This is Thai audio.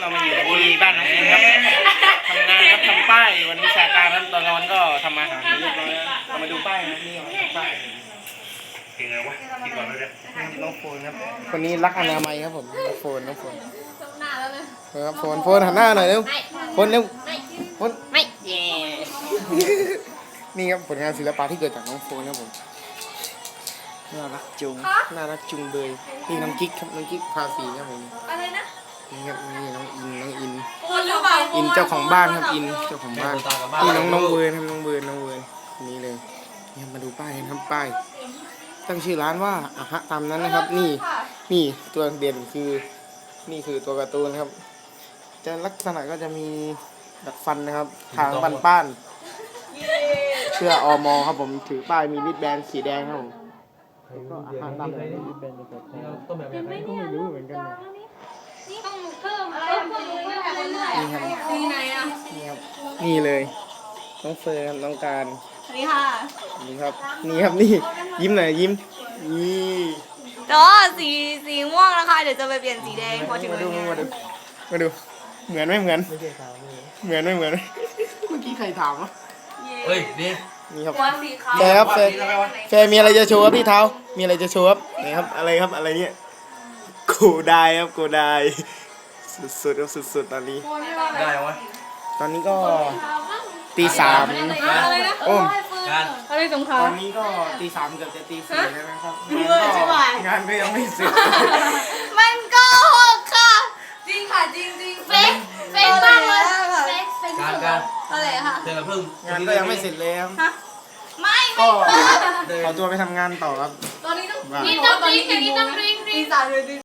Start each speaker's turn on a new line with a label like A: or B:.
A: เรามาอยู่ที่บ้านน้องอินครับทำงานครับทำป้ายวันวิชาการครับตอนกลางวันก็ทำอาหารเรียบร้อยเรามาดูป้ายนะนี่ป้ายเพลงอะไรวะคิดก่อนเลยน้องโฟนครับคนนี้รักอนามัยครับผมน้องโฟน
B: หน้าแล้วเลย
A: ครับโฟนหันหน้าหน่อยเร็วโฟนเร็วโฟนไม่เย่นี่ครับผลงานศิลปะที่เกิดจากน้องโฟนครับผมน่ารักจุงเบยนี่น้องกิ๊กครับน้องกิ๊กภาษีครับผม
B: อะไรนะ
A: นี่ครับนี่น้องอิน
B: คนหรือเปล่า
A: อินเจ้าของบ้านครับอินเจ้าของบ้านนี่น้องเวิร์นครับน้องเวิร์นนี่เลยนี่มาดูป้ายครับป้ายตั้งชื่อร้านว่าอะฮะตามนั้นนะครับนี่ตัวเด่นคือนี่คือตัวการ์ตูนครับจะลักษณะก็จะมีดัดฟันนะครับทางป้านเสื้ออมครับผมถือป้ายมีริบแบนสีแดงครับผมก็อาหารตามนั้นต้มแบบไหนก็ไม่รู้เหมือนกัน
B: นี่ต้องเพิ่มนี่ครับนี่ไหนอ่ะ
A: นี่ครับนี่เลยน้องเฟิร์นครับน้องการ
B: นี่ค่ะ
A: นี่ครับนี่ยิ้มหน่อยยิ้มนี่
B: ก็สีม่วงนะคะเดี๋ยวจะไปเปลี่ยนสีแดงพอถึง
A: มาดูเหมือนไม่เหมือนเหมือนเมื่อกี้ใครถามวะ
C: เฮ้ยนี่
A: ครับแฟมีอะไรจะโชว์ครับพี่เท้ามีอะไรจะโชว์ครับไหนครับอะไรเนี่ยโกได้ครับโกได้สุดๆครับสุดๆตอนนี้
C: ได้ไหม
A: ตอนนี้ก็ตีสามโอ้
B: อะไรสงคราม
A: ตอนนี้ก็ตีสามเกือบจะตีสี่แล้วนะครับงานก็ยังไม่เสร็จ
B: มันก็หกค่ะจริงค่ะจริงเฟกมากเลยเฟก
C: การ
B: อะไรค่ะ
C: เธอเพิ่ง
A: งานก็ยังไม่เสร็จเลยครับ
B: ไม่
A: ขอตัวไปทำงานต่อครับ
B: ตอนนี้ต้องริงตีสามเลย